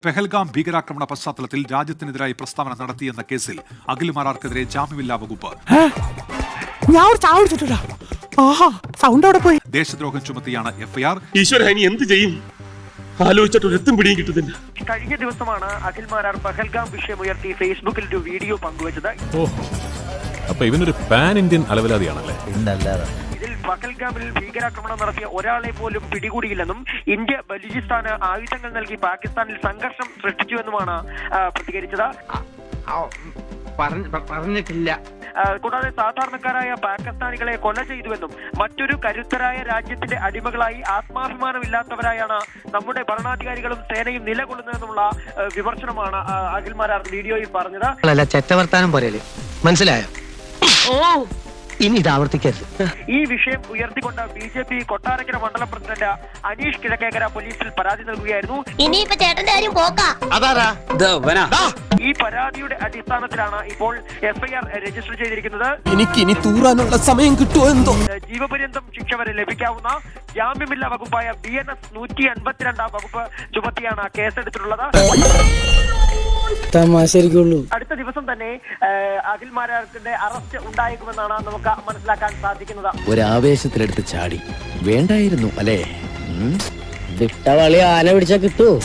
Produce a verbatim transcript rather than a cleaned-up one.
പെഹൽഗാം ഭീകരാക്രമണ പശ്ചാത്തലത്തിൽ രാജ്യത്തിനെതിരായി പ്രസ്താവന നടത്തിയെന്ന കേസിൽ അഖിൽ മാരാർക്കെതിരെ ജാമ്യമില്ലാ വകുപ്പ്. ദേശദ്രോഹം ചുമത്തിയാണ് എഫ്ഐആർ. ഈശ്വര, ഇനി എന്ത് ചെയ്യും ആലോചിച്ചിട്ട് എത്തും പിടിയും കിട്ടുന്നില്ല. കഴിഞ്ഞ ദിവസമാണ് അഖിൽ മാരാർ പഹൽഗാം വിഷയമുയർത്തി ഫേസ്ബുക്കിൽ ഒരു വീഡിയോ പങ്കുവച്ചത്. അപ്പൊ ഇവനൊരു പാൻ ഇന്ത്യൻ അലവലാതിയാണല്ലേ? ഇതിൽ പഹൽഗാമിൽ ഭീകരാക്രമണം നടത്തിയ ഒരാളെ പോലും പിടികൂടിയില്ലെന്നും ഇന്ത്യ ബലൂചിസ്ഥാന് ആയുധങ്ങൾ നൽകി പാകിസ്ഥാനിൽ സംഘർഷം സൃഷ്ടിച്ചുവെന്നുമാണ് പ്രതികരിച്ചത്. പറഞ്ഞിട്ടില്ല. കൂടാതെ സാധാരണക്കാരായ പാകിസ്ഥാനികളെ കൊല ചെയ്തുവെന്നും മറ്റൊരു കരുത്തരായ രാജ്യത്തിന്റെ അടിമകളായി ആത്മാഭിമാനമില്ലാത്തവരായാണ് നമ്മുടെ ഭരണാധികാരികളും സേനയും നിലകൊള്ളുന്നതെന്നുള്ള വിമർശനമാണ് അഖിൽ മാരാർ വീഡിയോയിൽ പറഞ്ഞത്. ചെറ്റവർത്താനം പോരല്ലേ, മനസ്സിലായോ? ഓ, ഇനി ഇത് ആവർത്തിക്കരുത്. ഈ വിഷയം ഉയർത്തിക്കൊണ്ട് ബി ജെ പി കൊട്ടാരക്കര മണ്ഡലം പ്രസിഡന്റ് അനീഷ് കിഴക്കേക്കര പോലീസിൽ പരാതി നൽകുകയായിരുന്നു. ഇനിയിപ്പോ ചേട്ടന്റെ കാര്യം പോക്കാ. ഈ പരാതിയുടെ അടിസ്ഥാനത്തിലാണ് ഇപ്പോൾ എഫ്ഐആർ രജിസ്റ്റർ ചെയ്തിരിക്കുന്നത്. എനിക്ക് ഇനി തൂറാനുള്ള സമയം കിട്ടുമോ എന്തോ. ജീവപര്യന്തം ശിക്ഷ വരെ ലഭിക്കാവുന്ന ജാമ്യമില്ലാ വകുപ്പായ ബി എൻ എസ് നൂറ്റി അൻപത്തിരണ്ടാം വകുപ്പ് ചുമത്തിയാണ് കേസെടുത്തിട്ടുള്ളത്. അടുത്ത ദിവസം തന്നെ അഖിൽ മാരാർക്കിന്റെ അറസ്റ്റ് ഉണ്ടായേക്കുമെന്നാണ് നമുക്ക് മനസ്സിലാക്കാൻ സാധിക്കുന്നത്. ഒരാവേശത്തിലെടുത്ത് ചാടി വേണ്ടായിരുന്നു അല്ലേ? വിട്ടവളി ആന പിടിച്ചാ കിട്ടൂ.